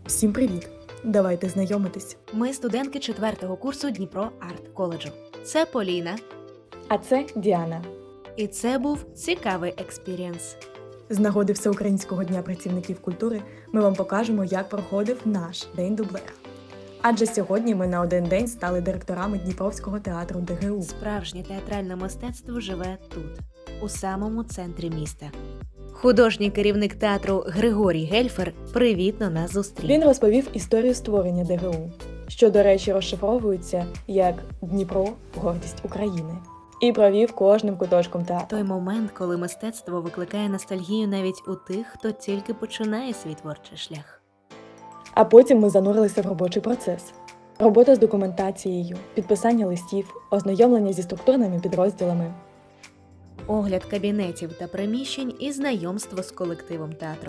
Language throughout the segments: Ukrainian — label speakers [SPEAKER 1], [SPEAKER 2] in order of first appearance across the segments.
[SPEAKER 1] Всім привіт! Давайте знайомитись.
[SPEAKER 2] Ми студентки 4-го курсу Дніпро Арт Коледжу. Це Поліна.
[SPEAKER 1] А це Діана.
[SPEAKER 2] І це був цікавий експірієнс.
[SPEAKER 1] З нагоди Всеукраїнського дня працівників культури ми вам покажемо, як проходив наш День дублера. Адже сьогодні ми на один день стали директорами Дніпровського театру ДГУ.
[SPEAKER 2] Справжнє театральне мистецтво живе тут, у самому центрі міста. Художній керівник театру Григорій Гельфер привітно нас зустрів.
[SPEAKER 1] Він розповів історію створення ДГУ, що, до речі, розшифровується як «Дніпро – гордість України». І провів кожним куточком театру.
[SPEAKER 2] Той момент, коли мистецтво викликає ностальгію навіть у тих, хто тільки починає свій творчий шлях.
[SPEAKER 1] А потім ми занурилися в робочий процес. Робота з документацією, підписання листів, ознайомлення зі структурними підрозділами.
[SPEAKER 2] Огляд кабінетів та приміщень і знайомство з колективом театру.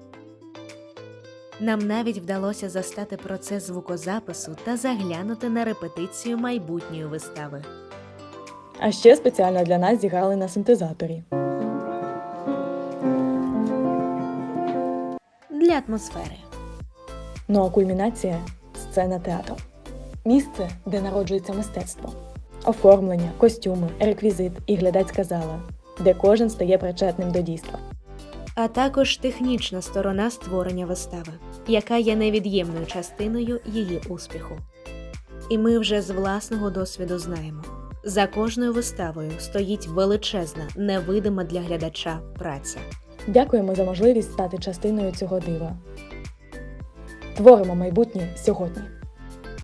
[SPEAKER 2] Нам навіть вдалося застати процес звукозапису та заглянути на репетицію майбутньої вистави.
[SPEAKER 1] А ще спеціально для нас зіграли на синтезаторі.
[SPEAKER 2] Для атмосфери.
[SPEAKER 1] Ну а кульмінація – сцена театру. Місце, де народжується мистецтво. Оформлення, костюми, реквізит і глядацька зала, де кожен стає причетним до дійства.
[SPEAKER 2] А також технічна сторона створення вистави, яка є невід'ємною частиною її успіху. І ми вже з власного досвіду знаємо, за кожною виставою стоїть величезна, невидима для глядача праця.
[SPEAKER 1] Дякуємо за можливість стати частиною цього дива. Творимо майбутнє сьогодні.